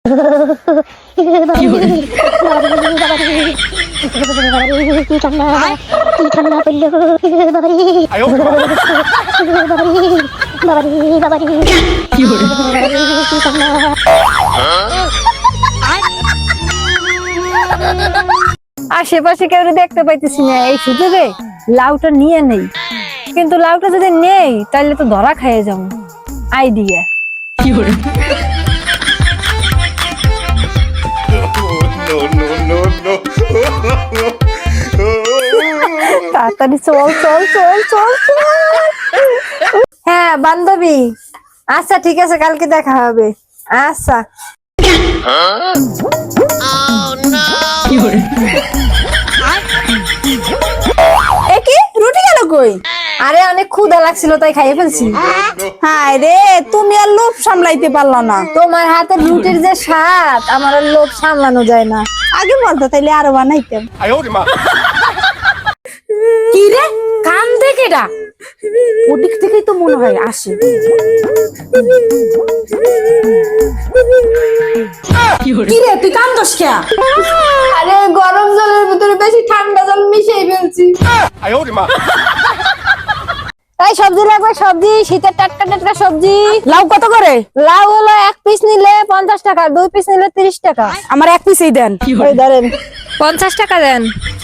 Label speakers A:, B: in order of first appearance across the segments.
A: আশেপাশে কেউ দেখতে পাইতেছি না, এই সুযোগে লাউটা নিয়ে নেই। কিন্তু লাউটা যদি নেই তাহলে তো ধরা খাইয়ে যাবো। আইডিয়া। তাড়াতাড়ি চল চল চল চল চল। হ্যাঁ বান্ধবী, আচ্ছা ঠিক আছে, কালকে দেখা হবে। আচ্ছা।
B: কি রুটি গেল কই?
A: আরে অনেক ক্ষুধা লাগছিল তাই খাইয়ে ফেলছি।
B: হায় রে, তুমি আর লোভ সামলাইতে পারলা না।
A: তোমার হাতের রুটির যে স্বাদ, আমার আর লোভ সামলানো যায় না।
B: আগে বলতো তাইলে আরো বানাইতাম।
C: কি রে, কান দেখে ডাক, ওদিক থেকেই তো মনে হয় আসে। কি রে, তুই কান্দস কে?
A: আরে গরম জলের ভিতরে বেশি ঠান্ডা জল মিশিয়ে ফেলছি। তাই সবজি লাগবে, সবজি, শীতের টাটকা টাটকা সবজি।
C: লাউ কত করে?
A: লাউ হলো 1 পিস নিলে 50 টাকা, 2 পিস নিলে 30 টাকা।
C: আমার 1 পিসই দেন।
A: এই ধরেন 50 টাকা দেন।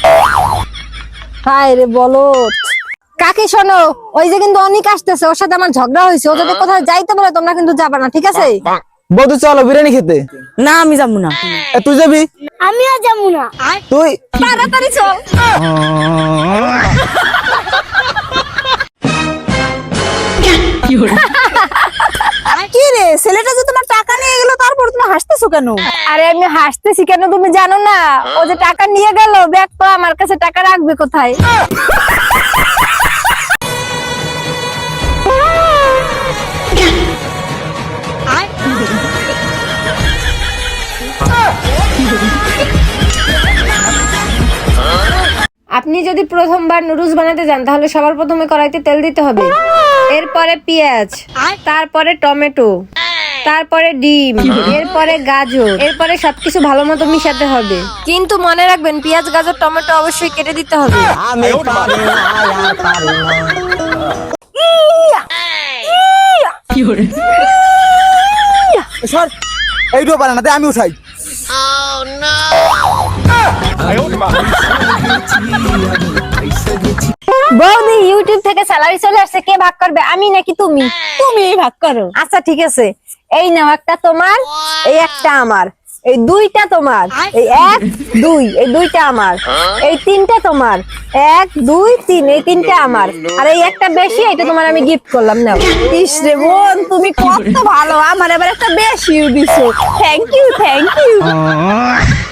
A: হায় রে বলত। কাকি শোনো, ওই যে কিন্তু অনেক আসতেছে, ওর সাথে আমার ঝগড়া হয়েছে। ও যদি কোথাও যাইতে বলে তোমরা কিন্তু যাবে না, ঠিক আছে?
D: বৌদি চলো বিরিয়ানি খেতে।
C: না আমি যাবো না।
D: তুই যাবি?
B: আমিও যাবো না।
D: তুই
A: তাড়াতাড়ি চল।
B: কি রে, ছেলেটা যে তোমার টাকা নিয়ে গেল, তারপর তুমি হাসতেছো কেন?
A: আরে আমি হাসতেছি কেন তুমি জানো না? ও যে টাকা নিয়ে গেল, ব্যাগ তো আমার কাছে, টাকা রাখবে কোথায়? আপনি যদি প্রথমবার নুডলস বানাতে যান তাহলে সবার প্রথমে কড়াইতে তেল দিতে হবে, এরপরে পেঁয়াজ, তারপরে টমেটো, তারপরে ডিম, এরপরে গাজর, এরপরে সবকিছু ভালো মতো মিশাতে হবে। কিন্তু মনে রাখবেন পেঁয়াজ গাজর টমেটো অবশ্যই কেটে দিতে হবে।
D: আমি পারি না, আর পারি না। সর, এইটাও পারে না, তাই আমি উঠাই।
A: বৌদি, ইউটিউব থেকে স্যালারি চলে আসছে, কে ভাগ করবে, আমি নাকি তুমি?
B: তুমি ভাগ করো।
A: আচ্ছা ঠিক আছে, এই নাও, একটা তোমার, এই একটা আমার, এই দুইটা তোমার, এই 1 2, এই দুইটা আমার, এই তিনটা তোমার, 1 2 3, এই তিনটা আমার, আর এই একটা বেশি, এটা তোমার আমি গিফট করলাম। নাও।
B: ইস রে বোন, তুমি কত ভালো, আমার এবার একটা বেশি দিছো। Thank you, thank you.